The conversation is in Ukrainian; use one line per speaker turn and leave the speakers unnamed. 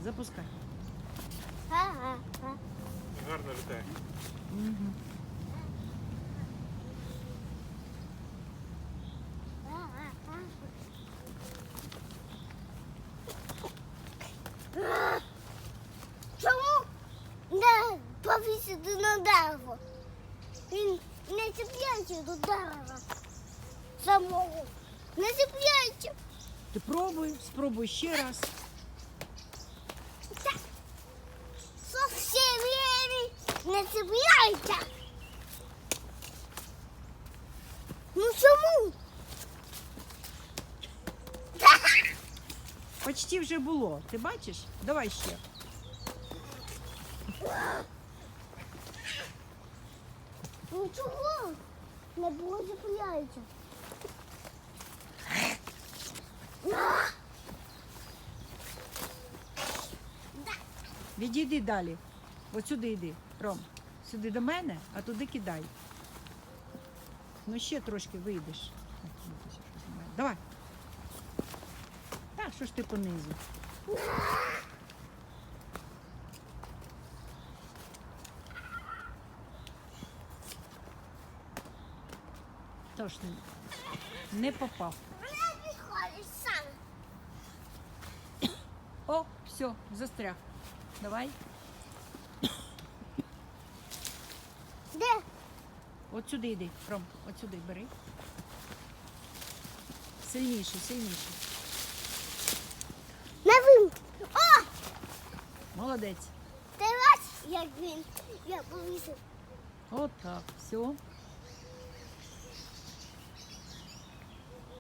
Запускай.
Гарно літає.
Угу.
Чому не повісити на дерево? Він не чіпляється до дерева самого. Не чіпляється.
Ти спробуй ще раз.
Зовсім не чіпляється. Ну чому?
Почти вже було. Ти бачиш? Давай ще.
Ну чого? Не було чіпляється.
Відійди далі. От сюди йди, Ром. Сюди до мене, а туди кидай. Ну ще трошки вийдеш. Давай. Так, що ж ти понизу? Тож не попав.
Вона підходить сам.
О, все, застряг. Давай.
Де?
От сюди йди, Ром, от сюди бери. Сильніше, сильніше.
На вим. О!
Молодець.
Ти бачиш, як він? Я повісив.
От так, все.